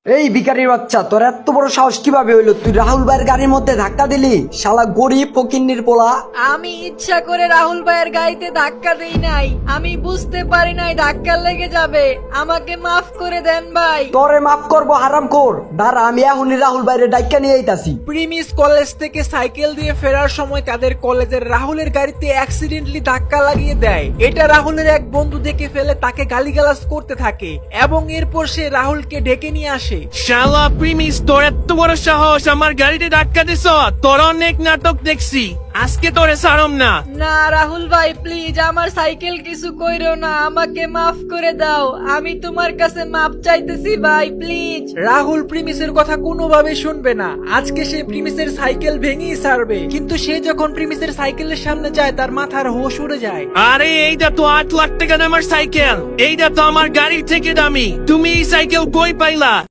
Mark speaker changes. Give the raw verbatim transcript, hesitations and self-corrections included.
Speaker 1: এই ভিখারির বাচ্চা, তোর এত বড় সাহস কিভাবে হইলো? তুই রাহুল ভাইয়ের গাড়ির মধ্যে ধাক্কা দিলি? শালা গরিব ফকিন্নির পোলা।
Speaker 2: আমি ইচ্ছা করে রাহুল ভাইয়ের গাড়িতে ধাক্কা দেই নাই, আমি বুঝতে পারি নাই ধাক্কা লেগে যাবে। আমাকে মাফ করে দেন ভাই।
Speaker 1: তোরে মাফ করবো হারাম কর। দাঁড়া, আমি এখনই রাহুল ভাইয়ের ডাইক্কা নিয়ে আইতাছি।
Speaker 3: প্রিমিস কলেজ থেকে সাইকেল দিয়ে ফেরার সময় তাদের কলেজের রাহুলের গাড়িতে অ্যাক্সিডেন্টলি ধাক্কা লাগিয়ে দেয়। এটা রাহুলের এক বন্ধু দেখে ফেলে তাকে গালিগালাজ করতে থাকে এবং এরপর সে রাহুলকে ডেকে নিয়ে আসে।
Speaker 4: শালা প্রিমিস, তোর এত বড় সাহস আমার গাড়িতে ধাক্কা দিছ? তোর অনেক নাটক দেখছি, আজকে তোরে ছাড়ম না।
Speaker 2: না রাহুল ভাই, প্লিজ আমার সাইকেল কিছু কইরো না, আমাকে মাফ করে দাও। আমি তোমার কাছে মাফ চাইতেছি ভাই, প্লিজ।
Speaker 3: রাহুল প্রিমিসের কথা কোনোভাবে শুনবে না। আজকে সে প্রিমিসের সাইকেল ভেঙেই ছাড়বে, কিন্তু সে যখন প্রিমিসের সাইকেলের সামনে যায় তার মাথার হোশ উড়ে যায়।
Speaker 4: আরে এইটা তো আট লাখ টাকা দামের সাইকেল, এইটা তো আমার গাড়ির থেকে দামি। তুমি এই সাইকেল কই পাইলা?